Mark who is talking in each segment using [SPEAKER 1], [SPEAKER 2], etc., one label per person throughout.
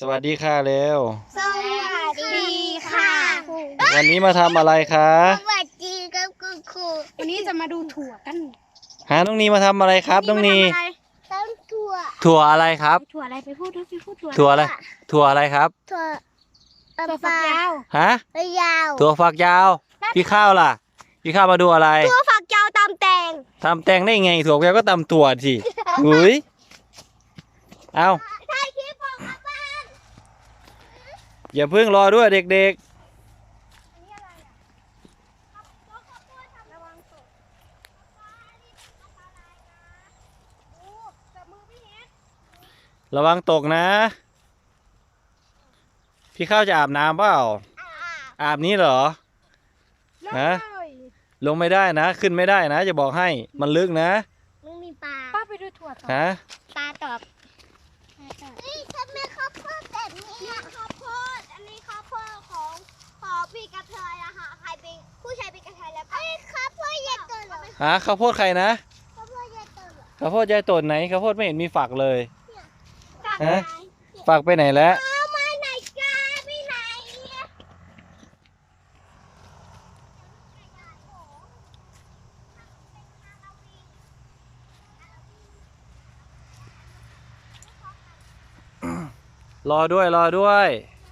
[SPEAKER 1] สวัสดีค่ะเร็ว
[SPEAKER 2] สวัสดีค่ะ
[SPEAKER 1] วันนี้มาทำอะไรคะ
[SPEAKER 2] สวัสดีครับคุณครู
[SPEAKER 3] วันนี้จะมาดูถั่วกัน
[SPEAKER 1] หาน้องนีมาทำอะไรครับน้องนี
[SPEAKER 2] ต้นถั่ว
[SPEAKER 1] ถั่วอะไรครับ
[SPEAKER 3] ถั่วอะไรไปพูดด้วยพูดถั่ว
[SPEAKER 1] ถั่วอะไรถั่วอะไรครับ
[SPEAKER 2] ถั่ว
[SPEAKER 3] ถั่วฝักยาว
[SPEAKER 1] ฮะ
[SPEAKER 2] ยาว
[SPEAKER 1] ถั่วฝักยาวพี่ข้าวล่ะพี่ข้าวมาดูอะไร
[SPEAKER 2] ถั่วฝักยาวตามแตง
[SPEAKER 1] ทำแตงได้ไงถั่วฝักยาวก็ตำถั่วสิอุ้ยเอา
[SPEAKER 2] ถ่ายคลิปของมาบ้าน
[SPEAKER 1] อย่าเพิ่งรอด้วยเด็กๆระวังตกนะพี่ข้าวจะอาบน้ำเปล่าอาบนี้เหรอนะลงไม่ได้นะขึ้นไม่ได้นะจะบอกให้มันลึกนะ
[SPEAKER 2] มึงมีปลา
[SPEAKER 3] ป้าไปดูถั่วต่อ
[SPEAKER 1] ฮะ
[SPEAKER 2] ปลาตอบนี่ทำไมข้าวโพดแบบนี้ข้าวโพดอันนี้ข้าวโพดของพี่กระเทยอะค่ะใครเป็นผู้ชายเป็นกระเทยแล้วข้าวโพดยายตุ่นเหรอ
[SPEAKER 1] ฮะข้าวโพดใครนะ
[SPEAKER 2] ข้าวโพดยายตุ่นเหรอ
[SPEAKER 1] ข้าวโพดยายตุ่นไหนข้าวโพดไม่เห็นมีฝักเลยฮะ
[SPEAKER 2] ฝั
[SPEAKER 1] ฝักไปไหนแล้ว
[SPEAKER 2] เอามาไหนกันไปไหน
[SPEAKER 1] รอด้วยรอด้วย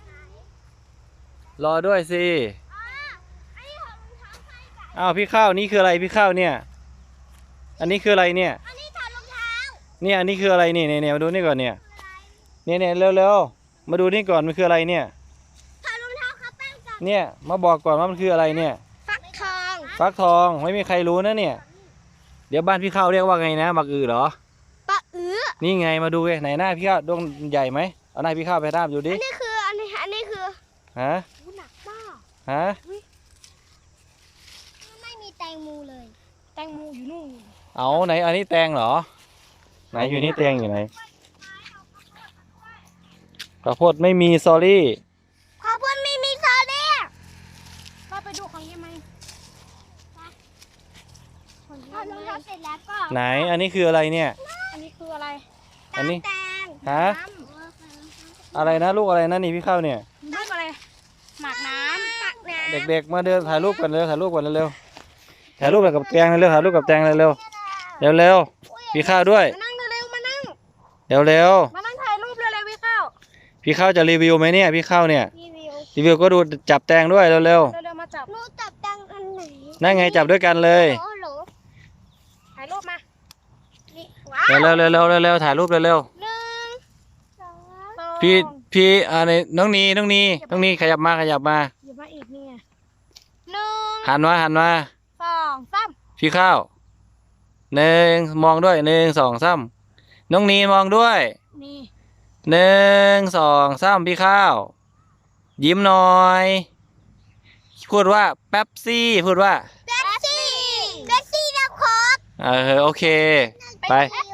[SPEAKER 1] รอด้วยสิอ้าวพี่ข้าวนี่คืออะไรพี่ข้าวเนี่ยอันนี้คืออะไรเนี่ย
[SPEAKER 2] อันนี้ถอดรองเท้า
[SPEAKER 1] เนี่ยอันนี้คืออะไรนี่เนี่ยมาดูนี่ก่อนเนี่ยเนี่ยเร็วๆมาดูนี่ก่อนมันคืออะไรเนี่ย
[SPEAKER 2] ถอดรองเท้าครับแป้งก่อน
[SPEAKER 1] เนี่ยมาบอกก่อนว่ามันคืออะไรเนี่ย
[SPEAKER 2] ฟักทอง
[SPEAKER 1] ฟักทองไม่มีใครรู้นะเนี่ยเดี๋ยวบ้านพี่ข้าวเรียกว่าไงนะบักอือเหรอ
[SPEAKER 2] ปลา
[SPEAKER 1] นี่ไงมาดูไหนหน้าพี่ข้าวดวงใหญ่ไหมเอาหน้าพี่ข้าวไปทาบดูดิ
[SPEAKER 2] อันนี้คือ
[SPEAKER 1] ฮะ
[SPEAKER 3] หนักมาก
[SPEAKER 1] ฮะ
[SPEAKER 2] ไม่มีแตงโมเลย
[SPEAKER 3] แตงโมอยู่นู่น
[SPEAKER 1] เอาไหนอันนี้แตงเหรอไหนอยู่นี่แตงอยู่ไหนข้าวโพดไม่มีซอรี่
[SPEAKER 2] ข้าวโพดไม่มีซอสเลย
[SPEAKER 3] ป้าไปดูของยังไง
[SPEAKER 2] ถอดรองเท้าเสร็จแล้วก็
[SPEAKER 1] ไหนอันนี้คืออะไรเนี่ย
[SPEAKER 3] อันนี้คืออะไร
[SPEAKER 1] อันนี้
[SPEAKER 2] แตง
[SPEAKER 1] ฮะอะไรนะลูกอะไรนะนี่พี่ข้าวเนี่ย
[SPEAKER 3] ลูกอะไรหมากน้ำ
[SPEAKER 1] เด็กๆมาเดินถ่ายรูปกันเร็วถ่ายรูปกันเร็วถ่ายรูปกับแตงเร็วถ่ายรูปกับแตงเร็วเร็วพี่ข้าวด้วย
[SPEAKER 3] มานั่งเร็วมานั่ง
[SPEAKER 1] เร็ว
[SPEAKER 3] มานั่งถ่ายรูปเลยพี่ข้าว
[SPEAKER 1] พี่ข้าวจะรีวิวไหมเนี่ยพี่ข้าวเนี่ย
[SPEAKER 2] รีวิว
[SPEAKER 1] ก็ดูจับแตงด้วยเร็ว
[SPEAKER 3] มาจับ
[SPEAKER 2] หนูจับแตงอันไหน
[SPEAKER 1] นั่นไงจับด้วยกันเลย
[SPEAKER 2] โอ้โห
[SPEAKER 3] ถ่ายรูปมา
[SPEAKER 1] เร็วถ่ายรูปเร็ว
[SPEAKER 2] หนึ่งสอง
[SPEAKER 1] พี่อะไรน้องนีขยับมา
[SPEAKER 3] อย่ามาอีกนี่ไง
[SPEAKER 2] หนึ่ง
[SPEAKER 1] หันมา
[SPEAKER 3] 2 3
[SPEAKER 1] พี่ข้าวหนึ่งมองด้วย1 2 3น้องนีมองด้วย
[SPEAKER 3] นี่
[SPEAKER 1] 1 2 3พี่ข้าวยิ้มหน่อยพูดว่าเป๊ปซี่พูดว่า
[SPEAKER 2] เบสซี่แล้วโค้ก
[SPEAKER 1] โอเคไป